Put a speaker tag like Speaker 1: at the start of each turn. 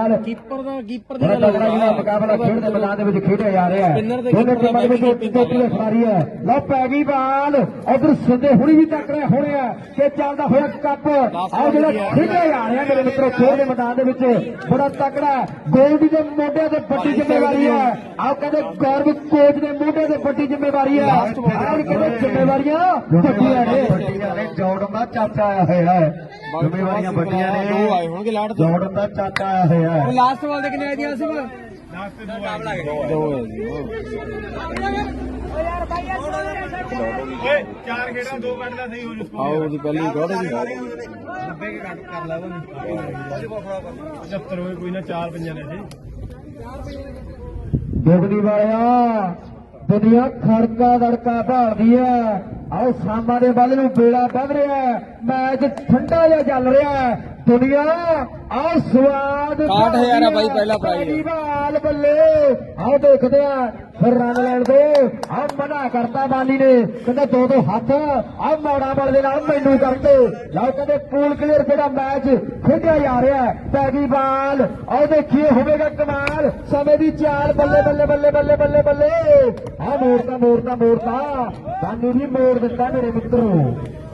Speaker 1: ਬਾਲ
Speaker 2: keeper ਦੀ
Speaker 1: ਬੜਾ ਤਗੜਾ ਜਿਹੜਾ ਮੁਕਾਬਲਾ ਖੇਡ ਦੇ ਮੈਦਾਨ ਦੇ ਵਿੱਚ ਖੇਡਿਆ ਜਾ ਰਿਹਾ ਹੈ। ਦੋਨੇ ਟੀਮਾਂ ਦੇ ਵਿੱਚ ਚੋਟੀ ਦੀ ਖਿਡਾਰੀ ਹੈ। ਲਓ ਪੈ ਗਈ ਬਾਲ ਉਧਰ ਸਿੰਦੇ ਹੁਣੀ ਵੀ ਤਕੜੇ ਹੋਣੇ ਆ ਤੇ ਚੱਲਦਾ ਹੋਇਆ ਕੱਪ ਆਹ ਜਿਹੜਾ ਖੇਡਿਆ ਜਾ ਰਿਹਾ ਮੇਰੇ ਮਿੱਤਰੋ ਖੇਡ ਦੇ ਮੈਦਾਨ ਦੇ ਵਿੱਚ ਬੜਾ ਤਕੜਾ ਗੋਲਡੀ ਦੇ ਮੋਢੇ ਤੇ ਵੱਡੀ ਜ਼ਿੰਮੇਵਾਰੀ ਹੈ। ਆਹ ਕਹਿੰਦੇ ਗੌਰਵ ਕੋਚ ਦੇ ਮੋਢੇ ਤੇ ਵੱਡੀ ਜ਼ਿੰਮੇਵਾਰੀ ਹੈ। ਆਹ ਕਹਿੰਦੇ ਜ਼ਿੰਮੇਵਾਰੀਆਂ ਵੱਡੀਆਂ ਨੇ ਜੋੜਨ ਦਾ ਚਾਚਾ ਆਇਆ ਹੋਇਆ ਹੈ। ਜ਼ਿੰਮੇਵਾਰੀਆਂ ਵੱਡੀਆਂ ਨੇ
Speaker 2: ਦੋ ਆਏ ਹੋਣਗੇ ਲਾੜ ਤੋਂ
Speaker 1: ਜੋੜਨ ਦਾ ਚਾਚਾ ਆਇਆ ਹੋਇਆ ਹੈ।
Speaker 2: ਲਾਸਟ ਬਾਲ ਦੇ ਕਿੰਨੇ ਆਈਆਂ ਸੀ ਦੋ
Speaker 3: ਓਏ ਚਾਰ ਖੇਡਾਂ ਦੋ ਕੱਢ ਲੈ ਸਹੀ ਹੋ ਜੂ
Speaker 2: ਆਓ ਉਹਦੀ ਪਹਿਲੀ ਗੋੜ ਦੀ
Speaker 3: 90 ਕੇ ਕੱਟ ਕਰ ਲੈ 75 ਹੋਏ ਕੋਈ ਨਾ ਚਾਰ ਪੰਜਾਂ ਲੈ ਜੇ
Speaker 1: ਦੁਗਦੀ ਵਾਲਿਆ ਦੁਨੀਆ ਖੜਕਾ ਦੜਕਾ ਭਾਲਦੀ ਹੈ। ਆਓ ਸਾਮਾਂ ਦੇ ਵੱਲ ਨੂੰ ਬੇੜਾ ਵੱਧ ਰਿਹਾ ਹੈ। ਮੈਚ ਠੰਡਾ ਜਿਹਾ ਚੱਲ ਰਿਹਾ ਹੈ। ਦੁਨੀਆ ਆਹ ਸਵਾਦ
Speaker 2: 60,000 ਆ ਬਾਈ ਪਹਿਲਾ ਪ੍ਰਾਈਜ਼
Speaker 1: ਬਾਲ ਬੱਲੇ ਆਓ ਦੇਖਦੇ ਆ ਫਿਰ ਰਨ ਲੈਣ ਦੋ ਆਹ ਮਨਾ ਕਰਤਾ ਬਾਲੀ ਨੇ ਕਹਿੰਦਾ ਦੋ ਹੱਥ ਆਹ ਮੌੜਾ ਬਲ ਦੇ ਨਾਲ ਮੈਨੂੰ ਕਰਦੇ ਲਓ ਕਹਿੰਦੇ ਪੂਲ ਕਲੀਅਰ ਜਿਹੜਾ ਮੈਚ ਖੇਡਿਆ ਜਾ ਰਿਹਾ ਹੈ। ਪੈ ਗਈ ਬਾਲ ਆਓ ਦੇਖੀਏ ਹੋਵੇਗਾ ਕਮਾਲ ਸਮੇਂ ਦੀ ਚਾਲ ਬੱਲੇ ਬੱਲੇ ਬੱਲੇ ਬੱਲੇ ਬੱਲੇ ਬੱਲੇ ਆਹ ਮੋੜਤਾ ਬਾਨੀ ਵੀ ਮੋੜ ਦਿੱਤਾ ਮੇਰੇ ਮਿੱਤਰੋ।